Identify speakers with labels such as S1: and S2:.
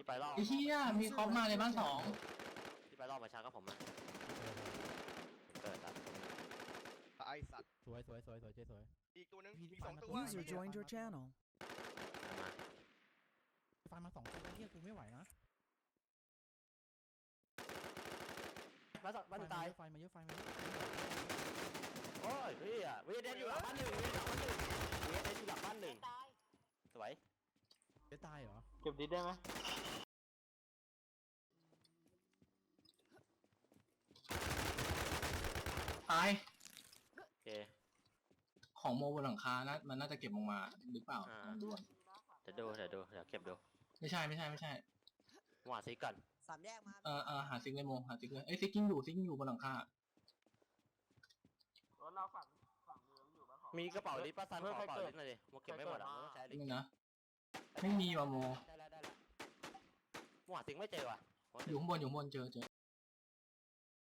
S1: ไปรอบ
S2: ไอ้เหี้ยมีคอปมาเลยบ้านสอง
S1: ที่ไปรอบมาช้าก็ผมนะเกิดครับ
S3: ไอสัตว์
S4: สวยเจ๊สวย
S3: อีกตัวนึงมี2ตัว
S5: User joined your channel.
S1: มา
S4: ฟันมา2ตัวเฮียกูไม่ไหวนะ
S1: บ้านตาย
S4: ไฟมาเยอะ
S1: โอ้ยพี่อ่ะวีเดนอยู่หลังบ้านหนึ่งวีเดนอยู่หลังบ้านหนึ่งสวย
S4: จะตายเหรอ
S6: เก็บดิสได้ไหม
S2: ตาย
S1: โอเค
S2: ของโมบนหลังคานะมันน่าจะเก็บลงมาหรือเปล่าลองดูก่อน
S1: เดี๋ยวเก็บดู
S2: ไม่ใช่
S1: หวานซิก่อน
S7: สามแยกมา
S2: หาซิกเลยโมหาซิกเลยซิกกิ้งอยู่บนหลังคาร
S6: ถเราฝั่งมือมันอยู่บ้านของ
S1: มีกระเป๋าลิปป้าซันขอกระเป๋าลิปหน่อยดิโมเก็บไม่หมดอ่ะโมต้องใช้ลิป
S2: นี่นะไม่มีว่ะโม
S1: ได้หวานซิไม่เจอว่ะ
S2: อยู่ข้างบนเจอ